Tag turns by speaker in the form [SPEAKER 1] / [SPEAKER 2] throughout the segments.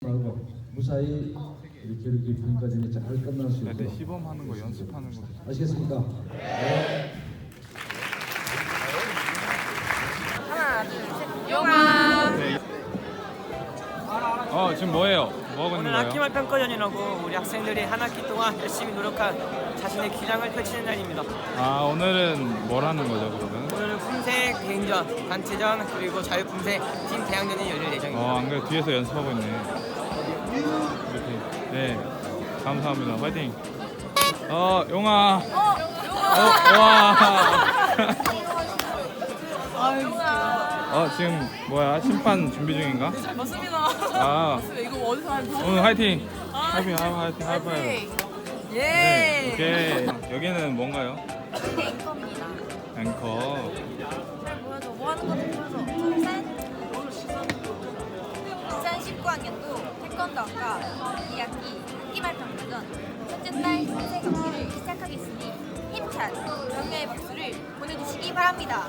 [SPEAKER 1] 하고 무사히 이렇게 이렇게 평가전이 잘 끝날 수 있도록
[SPEAKER 2] 시범하는 거 연습하는 거
[SPEAKER 1] 아시겠습니까? 네.
[SPEAKER 3] 하나, 둘, 셋. 영아.
[SPEAKER 2] 지금 뭐예요? 뭐 하고 있는
[SPEAKER 4] 오늘
[SPEAKER 2] 거예요?
[SPEAKER 4] 학기말 평가전이라고 우리 학생들이 한 학기 동안 열심히 노력한 자신의 기량을 펼치는 날입니다.
[SPEAKER 2] 오늘은 뭘 하는 거죠 그러면?
[SPEAKER 4] 오늘은 품새 개인전, 단체전 그리고 자유품새 팀 대항전이 열릴 예정입니다.
[SPEAKER 2] 안 그래 뒤에서 연습하고 있네. 이렇게. 네, 감사합니다. 파이팅. 용아. 와. 지금 뭐야? 심판 준비 중인가?
[SPEAKER 3] 맞습니다. 이거 어디서 하는 거야?
[SPEAKER 2] 오늘 화이팅. 화이팅. 하이파이브.
[SPEAKER 3] 예.
[SPEAKER 2] 네, 오케이. 여기는 뭔가요?
[SPEAKER 3] 앵커입니다.
[SPEAKER 2] 앵커.
[SPEAKER 3] 잘 보여줘. 뭐 하는 건지 보여줘. 둘셋 2019학년도 태권도학과 2학기 학기말 평가전 첫째 날 선생 경기를 시작하겠으니 힘찬 격려의 박수를 보내주시기 바랍니다.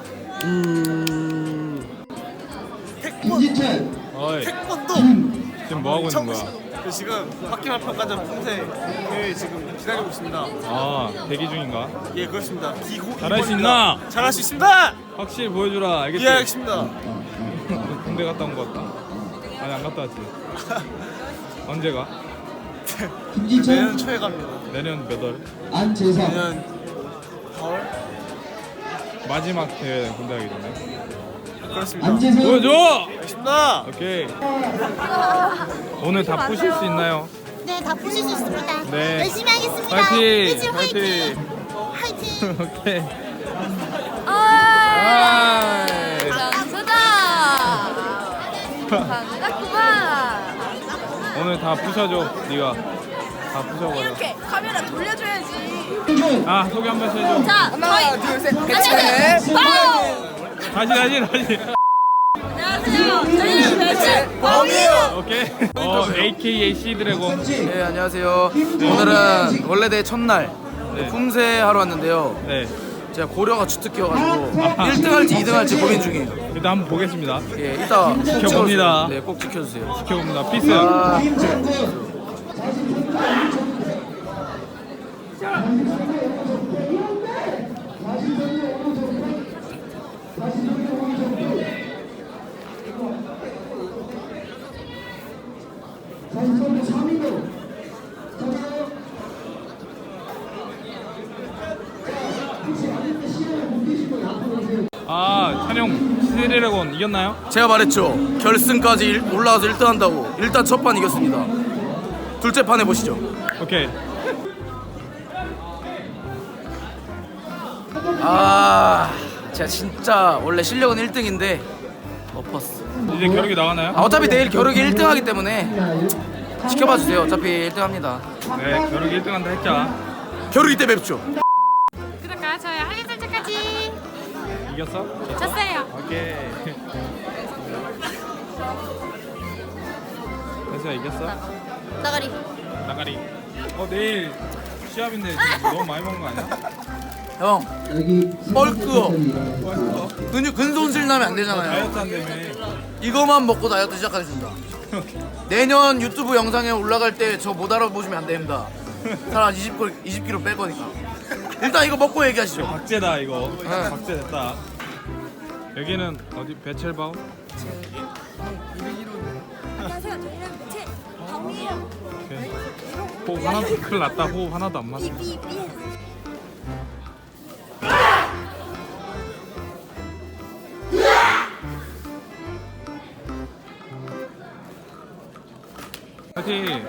[SPEAKER 1] 김진철
[SPEAKER 2] 어이.
[SPEAKER 5] 태권도
[SPEAKER 2] 지금 뭐 하고 있는 거야?
[SPEAKER 5] 지금 학기말 평가전 품새 대회 지금 기다리고 있습니다.
[SPEAKER 2] 대기 중인가?
[SPEAKER 5] 예, 그렇습니다.
[SPEAKER 2] 잘할 수 있나?
[SPEAKER 5] 잘할 수 있습니다.
[SPEAKER 2] 확실히 보여주라. 알겠지?
[SPEAKER 5] 예, 알겠습니다.
[SPEAKER 2] 군대 갔다 온 거 같다. 아니 안 갔다 왔지. 언제 가?
[SPEAKER 5] 내년
[SPEAKER 1] 김진철
[SPEAKER 5] 초에 갑니다.
[SPEAKER 2] 내년 몇 월?
[SPEAKER 1] 안재상
[SPEAKER 5] 내년 4월?
[SPEAKER 2] 마지막 대회 군대 가기 전에.
[SPEAKER 5] 그렇습니다.
[SPEAKER 1] 안재상
[SPEAKER 2] 보여줘!
[SPEAKER 5] 알겠습니다.
[SPEAKER 2] 오케이. 오늘 다 푸실 수 있나요?
[SPEAKER 6] 네, 다 보실 수 있습니다.
[SPEAKER 2] 네.
[SPEAKER 6] 열심히 하겠습니다.
[SPEAKER 2] 파이팅!
[SPEAKER 6] 일진
[SPEAKER 2] 파이팅!
[SPEAKER 6] 화이팅!
[SPEAKER 2] 오케이.
[SPEAKER 3] 장수다. 장수다구만.
[SPEAKER 2] 오늘 다 부셔줘. 네가 다 부셔버려.
[SPEAKER 3] 이렇게 카메라 돌려줘야지.
[SPEAKER 2] 소개 한 번씩 해줘.
[SPEAKER 3] 자, 하나, 둘, 셋. 배치.
[SPEAKER 2] 다시.
[SPEAKER 3] 안녕하세요. 저희는 배치 범이에요.
[SPEAKER 2] 오케이. AKA C드래곤.
[SPEAKER 7] 네, 안녕하세요. 오늘은 원래대 첫날
[SPEAKER 2] 네.
[SPEAKER 7] 품새 하러 왔는데요.
[SPEAKER 2] 네.
[SPEAKER 7] 제가 고려가 주특기여가지고 1등 할지 2등 할지 고민 중이에요.
[SPEAKER 2] 일단 한번 보겠습니다.
[SPEAKER 7] 예, 이따 꼭
[SPEAKER 2] 지켜봅니다.
[SPEAKER 7] 찍어주세요. 네, 꼭 지켜주세요.
[SPEAKER 2] 지켜봅니다. 피스. 찬영 C드래곤 이겼나요?
[SPEAKER 7] 제가 말했죠. 결승까지 올라와서 1등 한다고. 일단 첫 판 이겼습니다. 둘째 판 해보시죠.
[SPEAKER 2] 오케이.
[SPEAKER 7] 제가 진짜 원래 실력은 1등인데 엎었어.
[SPEAKER 2] 이제 겨루기 나가나요?
[SPEAKER 7] 어차피 내일 겨루기 1등 하기 때문에 지켜봐 주세요. 어차피 1등 합니다.
[SPEAKER 2] 네, 겨루기 1등 한다 했자.
[SPEAKER 7] 겨루기 때 뵙죠.
[SPEAKER 3] 구독과 좋아요 알림 설정까지.
[SPEAKER 2] 이겼어?
[SPEAKER 3] 졌어요.
[SPEAKER 2] 오케이. 혜수야 이겼어?
[SPEAKER 3] 나가리.
[SPEAKER 2] 나가리. 내일 시합인데 지금 너무 많이 먹는 거 아니야?
[SPEAKER 7] 형,
[SPEAKER 1] 여기
[SPEAKER 7] 뻘끄어. 근손실 나면 안 되잖아요.
[SPEAKER 2] 다이어트 한다며.
[SPEAKER 7] 이거만 먹고 다이어트 시작하겠습니다. 내년 유튜브 영상에 올라갈 때 저 못 알아보시면 안 됩니다. 한 20kg 뺄 거니까. 일단 이거 먹고 얘기하시죠.
[SPEAKER 2] 박제다 이거.
[SPEAKER 7] 네.
[SPEAKER 2] 박제 됐다. 여기는 어디 베첼바우?
[SPEAKER 3] 안녕하세요. 저희는 배치 범이에요.
[SPEAKER 2] 오케이. 호흡 하나도 큰일 났다. 호흡 하나도 안 맞아. 파이팅.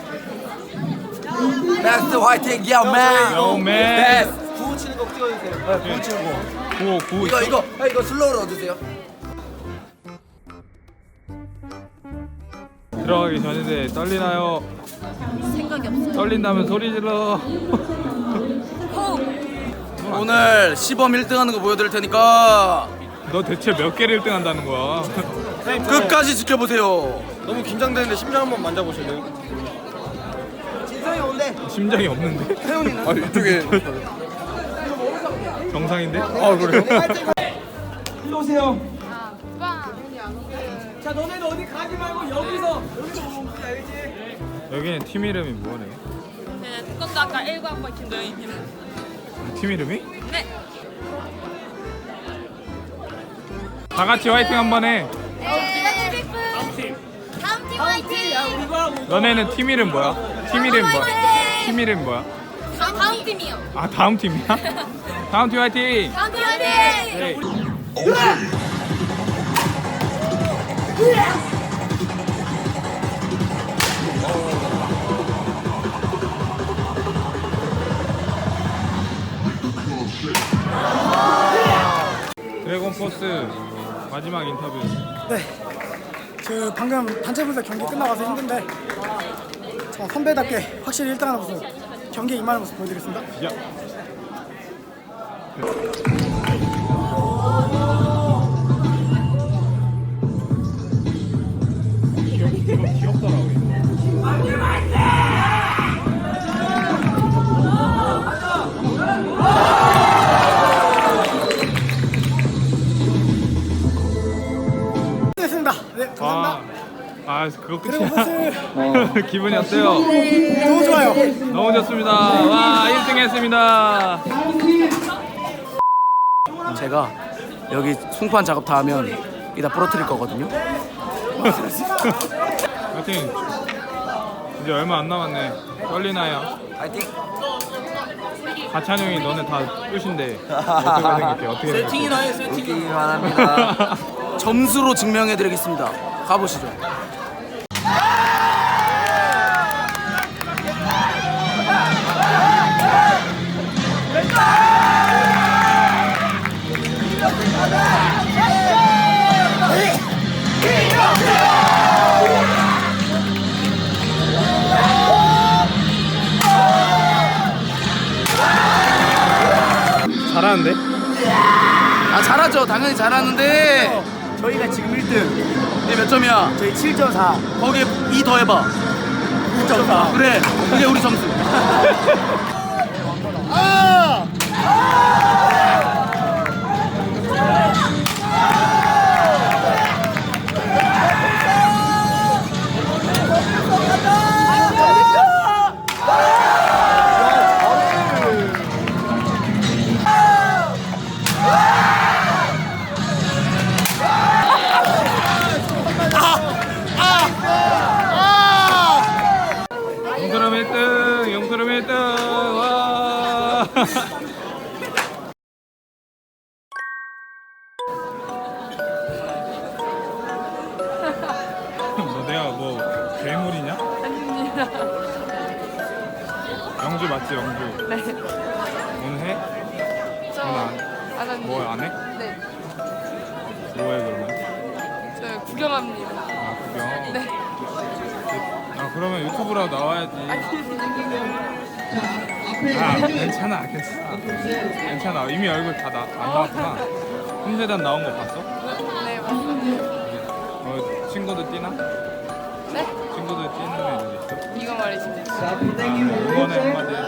[SPEAKER 7] 베스트 화이팅, 야맨.
[SPEAKER 2] 요맨.
[SPEAKER 5] 구호 치는 거 찍어주세요.
[SPEAKER 7] 구호 치는 거.
[SPEAKER 2] 구호
[SPEAKER 7] 이거 슬로우로 얻으세요.
[SPEAKER 2] 들어가기 전인데 떨리나요?
[SPEAKER 3] 생각이 없어요.
[SPEAKER 2] 떨린다면 소리 질러.
[SPEAKER 7] 오늘 시범 1등 하는 거 보여드릴 테니까
[SPEAKER 2] 너 대체 몇 개를 1등 한다는 거야?
[SPEAKER 7] 끝까지 지켜보세요.
[SPEAKER 5] 너무 긴장되는데 심장 한번 만져보실래요?
[SPEAKER 2] 심장이 없는데?
[SPEAKER 5] 이쪽에.
[SPEAKER 2] 정상인데?
[SPEAKER 5] 그래요?
[SPEAKER 1] 일로 오세요.
[SPEAKER 3] 오빠.
[SPEAKER 4] 자, 너네는 어디 가지 말고 여기서 보면 돼, 알지?
[SPEAKER 2] 여기는 팀 이름이 뭐래?
[SPEAKER 8] 네, 태권도 아까 1관과 김도영입니다.
[SPEAKER 2] 팀 이름이?
[SPEAKER 8] 네.
[SPEAKER 2] 다 같이 화이팅 한번 해.
[SPEAKER 3] 다음 팀 화이팅!
[SPEAKER 2] 너네는 팀 이름 뭐야? 팀 이름 뭐야? 팀 이름 뭐야?
[SPEAKER 3] 다음 팀이요.
[SPEAKER 2] 아 다음 팀이야? 다음 팀 화이팅!
[SPEAKER 3] 다음 팀 화이팅!
[SPEAKER 2] 네. 드래곤 포스 마지막 인터뷰.
[SPEAKER 9] 네, 저 방금 단체 분석 경기 끝나고 와서 힘든데 저 선배답게 확실히 1등하는 모습 경기에 임하는 모습 보여드리겠습니다.
[SPEAKER 2] 야. 귀엽더라고.
[SPEAKER 9] 됐습니다. 네, 감사합니다.
[SPEAKER 2] 그거
[SPEAKER 9] 드래곤
[SPEAKER 2] 끝이야.
[SPEAKER 9] 포스
[SPEAKER 2] 기분이 어때요?
[SPEAKER 9] 너무 좋아요.
[SPEAKER 2] 너무 좋습니다. 와 1등 했습니다.
[SPEAKER 7] 제가 여기 송판 작업 다 하면 이따 부러뜨릴 거거든요.
[SPEAKER 2] 화이팅. 이제 얼마 안 남았네. 떨리나요?
[SPEAKER 7] 파이팅.
[SPEAKER 2] 가찬 형이 너네 다 끝인데 어떻게 생각해? 어떻게 생각해?
[SPEAKER 7] 웃기기만 합니다. 점수로 증명해드리겠습니다. 가보시죠.
[SPEAKER 2] 잘하는데?
[SPEAKER 7] 아 잘하죠. 당연히 잘하는데 저희가 지금 1등. 근데 몇 점이야? 저희 7.4. 거기에 2 더해봐. 9.4. 그래. 그게 우리 점수.
[SPEAKER 2] 용서름 1등! 용서름 1등! 와! 너 내가 뭐 괴물이냐?
[SPEAKER 8] 아닙니다.
[SPEAKER 2] 영주 맞지 영주?
[SPEAKER 8] 네.
[SPEAKER 2] 오늘 해?
[SPEAKER 8] 저
[SPEAKER 2] 오늘
[SPEAKER 8] 안 합니다.
[SPEAKER 2] 뭐 안 해?
[SPEAKER 8] 네.
[SPEAKER 2] 뭐해 그러면?
[SPEAKER 8] 저 구경합니다.
[SPEAKER 2] 아 구경?
[SPEAKER 8] 네.
[SPEAKER 2] 아 그러면 유튜브라도 나와야지. 아 괜찮아 괜찮아 이미 얼굴 다 안 나왔구나. 홍대단 나온 거 봤어?
[SPEAKER 8] 네, 맞습니다.
[SPEAKER 2] 친구들 뛰나?
[SPEAKER 8] 네?
[SPEAKER 2] 친구들 뛰는 애들 있어?
[SPEAKER 8] 이거 말이지.
[SPEAKER 2] 응원의 한마디